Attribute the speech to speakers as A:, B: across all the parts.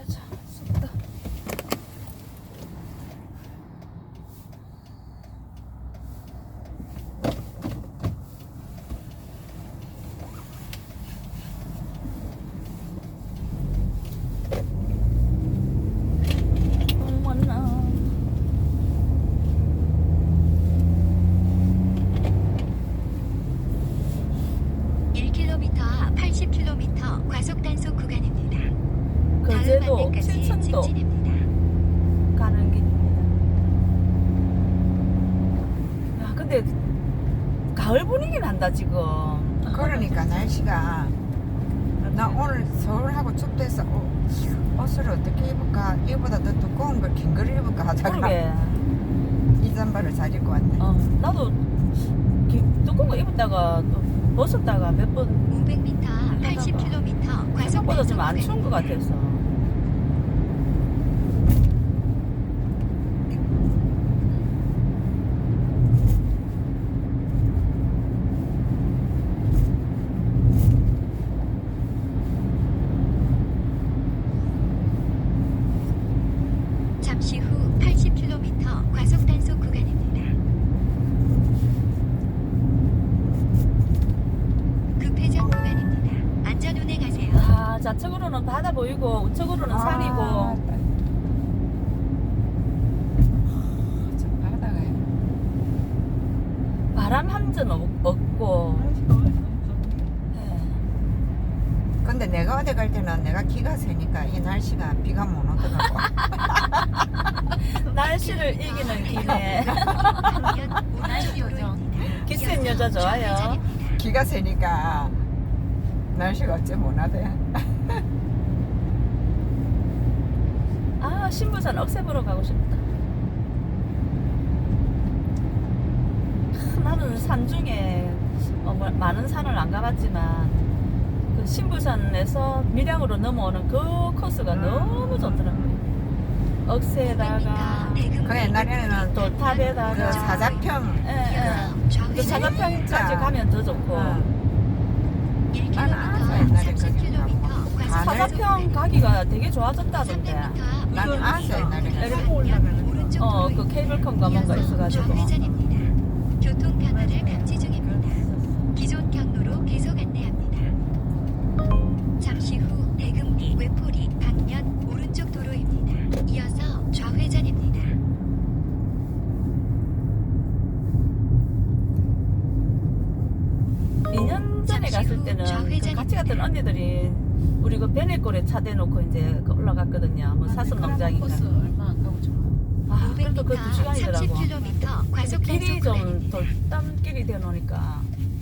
A: 자자자. 쑥다. 어머나.
B: 1km 앞 80km 과속 단속 구간입니다.
A: 거제도
B: 다음 안내까지
A: 칠천도
B: 직진입니다.
A: 가는 길입니다. 야, 근데 가을 분위기 난다 지금.
C: 그러니까 날씨가 나 오늘 서울하고 춥대서 옷을 어떻게 입을까? 이보다 더 두꺼운 걸 긴 걸 입을까 하다가
A: 그러게.
C: 이 잠바를 잘 입고 왔네.
A: 나도 두꺼운 거 입었다가 또 벗었다가 몇 번
B: 500m 앞 80km 과속
A: 생각보다
B: 단속
A: 좀 안 추운 것
B: 구간입니다.
A: 같아서.
B: 잠시 후 80km 과속 단속 구간입니다. 급회전 구간입니다. 안전 운행하세요.
A: 아, 좌측으로는 바다 보이고 우측으로는 산이고.
C: 저 바다가
A: 바람 한 점 없고. 예.
C: 근데 내가 어디 갈 때는 내가 기가 세니까 이 날씨가 비가 못 오더라고.
A: 날씨를 이기는 기네.
B: 날씨 요정.
A: 기센 여자 좋아요.
C: 기가 세니까 날씨가 어째 못 하대.
A: 아, 신부산 억새 보러 가고 싶다. 나는 산 중에 많은 산을 안 가봤지만 그 신부산에서 밀양으로 넘어오는 그 코스가 너무 좋더라고요. 억새에다가
C: 그 옛날에는 또
A: 돌탑에다가
C: 그 사자평
A: 그 사자평까지 가면 더 좋고.
C: 나는 아서 옛날에 거기 가고
A: 사자평 가기가 되게 좋아졌다던데.
C: 나는 아서 옛날에
A: 그 케이블카인가 뭔가 있어가지고.
B: 좌회전입니다. 교통 변화를 감지 중입니다. 기존 경로로 계속 안내합니다. 잠시 후 대금리, 외포리, 방면 오른쪽 도로입니다. 이어서 좌회전입니다.
A: 2년 전에 갔을 때는 그 같이 갔던 언니들이 우리 그 베네골에 차 대놓고 이제 그 올라갔거든요. 뭐 사슴 농장인가.
D: 얼마 안 가고 좋아.
A: 아, 그래도 그 2시간이더라고.
B: 30km 과속
A: 길이
B: 단속
A: 좀
B: 구간입니다.
A: 돌담길이 되놓으니까.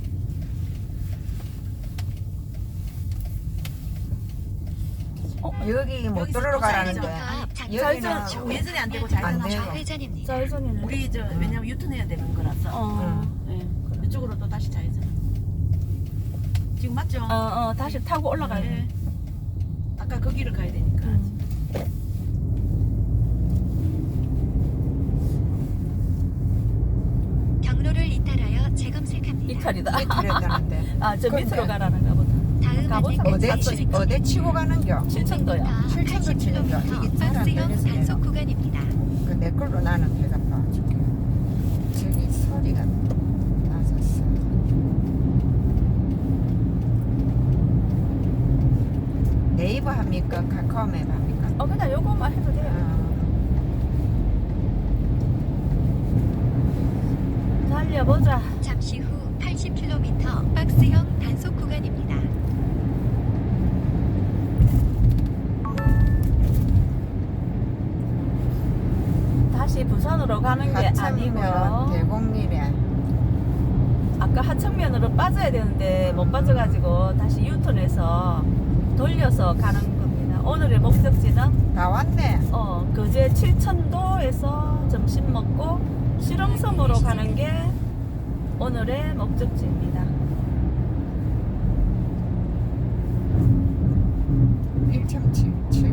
C: 여기 못 들어로 가라는데 여기는
B: 좌회전.
D: 우회전이 안 되고
C: 안
D: 좌회전.
C: 돼요.
B: 좌회전입니다.
A: 좌회전이네.
D: 우리 왜냐면 유턴해야 되는 거라서.
A: 어.
D: 예. 이쪽으로 또 다시 좌회전. 지금 맞죠?
A: 다시 타고 올라가야 돼.
D: 예. 아까 그 길을 가야 되니까.
B: 경로를 이탈하여 재검색합니다.
A: 이탈이다.
C: 이탈했다는데
A: 아, 저
C: 근데
A: 밑으로 가라는가 보다.
B: 다음
A: 가보자.
B: 안내까지
C: 어디 치고 가는겨?
A: 7천도야.
C: 7천도 치는겨. 이게 잘 안
B: 박스형
C: 되겠어요.
B: 단속 구간입니다.
C: 그 내 걸로 나는 배가 빠질게. 저기 소리가 낮았어. 네이버 합니까? 카카오맵 합니까?
A: 그냥 요거만 해도 돼요. 달려보자.
B: 잠시 후 80km 박스형 단속 구간입니다.
A: 다시 부산으로 가는 게
C: 하천면
A: 아니고요.
C: 대곡리래.
A: 아까 하청면으로 빠져야 되는데 못 빠져가지고 다시 유턴해서 돌려서 가는 겁니다. 오늘의 목적지는
C: 다 왔네.
A: 거제 칠천도에서 점심 먹고 실흥섬으로 가는 게 오늘의 목적지입니다.
C: 1.7